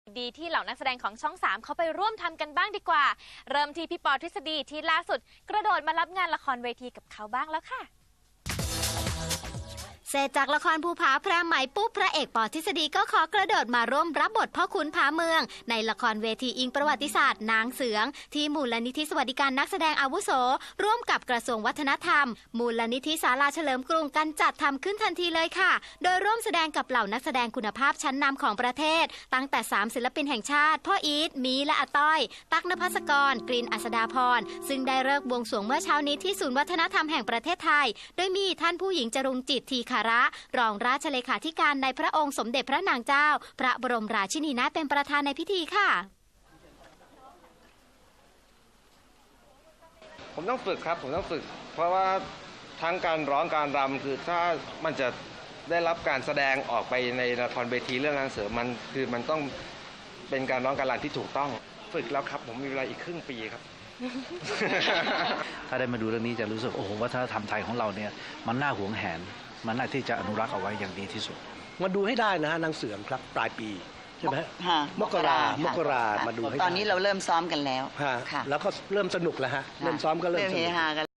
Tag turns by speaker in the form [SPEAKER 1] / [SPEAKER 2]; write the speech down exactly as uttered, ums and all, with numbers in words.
[SPEAKER 1] ดีที่เหล่านักแสดงของช่องสามเขาไปร่วมทำกันบ้างดีกว่าเริ่มที่พี่ปอทฤษฎีที่ล่าสุดกระโดดมารับงานละครเวทีกับเขาบ้างแล้วค่ะ
[SPEAKER 2] เสร็จจากละครภูผาพระไหมปุ๊บพระเอกปอทฤษฎีก็ขอกระโดดมาร่วมรับบทพ่อขุนผาเมืองในละครเวทีอิงประวัติศาสตร์นางเสืองที่มูลนิธิสวัสดิการนักแสดงอาวุโสร่วมกับกระทรวงวัฒนธรรมมูลนิธิศาลาเฉลิมกรุงกันจัดทำขึ้นทันทีเลยค่ะโดยร่วมแสดงกับเหล่านักแสดงคุณภาพชั้นนำของประเทศตั้งแต่สามศิลปินแห่งชาติพ่ออีทมีและอาต้อยตั๊กนภัสกรกรีนอัศดาพรซึ่งได้เลิกบวงสรวงเมื่อเช้านี้ที่ศูนย์วัฒนธรรมแห่งประเทศไทยโดยมีท่านผู้หญิงจรุงจิตทีคาระรองราชเลขาธิการในพระองค์สมเด็จพระนางเจ้าพระบรมราชินีนาถเป็นประธานในพิธีค่ะ
[SPEAKER 3] ผมต้องฝึกครับผมต้องฝึกเพราะว่าทั้งการร้องการรำคือถ้ามันจะได้รับการแสดงออกไปในละครเวทีเรื่องนางเสือมันคือมันต้องเป็นการร้องการรำที่ถูกต้องฝึกแล้วครับผมมีเวลาอีกครึ่งปีครับ
[SPEAKER 4] ถ้าได้มาดูเรื่องนี้จะรู้สึกโอ้โหวัฒนธรรมไทยของเราเนี่ยมันน่าหวงแหนมันน่าที่จะอนุรักษ์เอาไว้อย่างดีที่สุด
[SPEAKER 5] มาดูให้ได้นะฮะนางเสือมครับปลายปีใช่ไหมมกรามกรามาดูให้ได้
[SPEAKER 6] ตอนนี้เราเริ่มซ้อมกันแล้ว
[SPEAKER 5] แล้วก็เริ่มสนุกแล้วฮะเริ่มซ้อมก็เริ่มสนุก